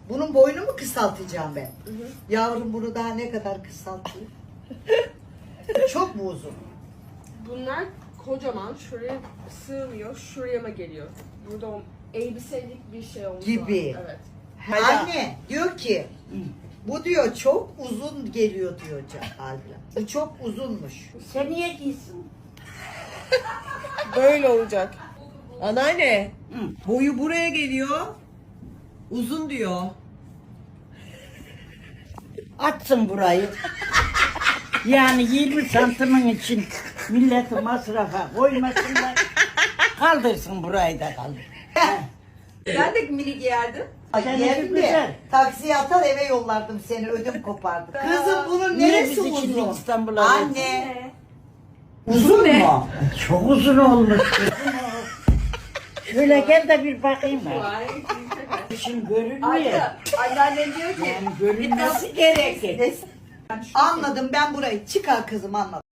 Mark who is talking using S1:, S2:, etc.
S1: Bunun boyunu mu kısaltacağım ben? Yavrum bunu daha ne kadar kısaltayım? Çok mu uzun?
S2: Bunlar kocaman, şuraya sığmıyor, şuraya mı geliyor? Burada elbiselik bir şey olmuş.
S1: Gibi.
S2: Evet.
S1: Anne diyor ki bu diyor çok uzun geliyor diyor Halil'e. Bu çok uzunmuş.
S3: Sen niye giysin?
S2: Böyle olacak.
S4: Anneanne, boyu buraya geliyor. Uzun diyor.
S3: Açsın burayı. Yani 20 santimin için milleti masrafa koymasınlar. Kaldırsın burayı da kaldır.
S4: Ben de mini giyerdim.
S3: Seninki
S1: Yerim de
S3: güzel.
S1: taksiye atar eve yollardım seni ödüm kopardı. Kızım bunun
S3: Niye
S1: neresi
S3: biz için
S1: uzun?
S3: İstanbul'a
S1: Anne. Uzun mu?
S3: Çok uzun olmuş. Şöyle gel de bir bakayım ben. Şimdi görünmüyor.
S4: Anneannem diyor ki
S3: Yani görünmesi gerekir.
S1: Anladım ben burayı. Çıkar kızım anladım.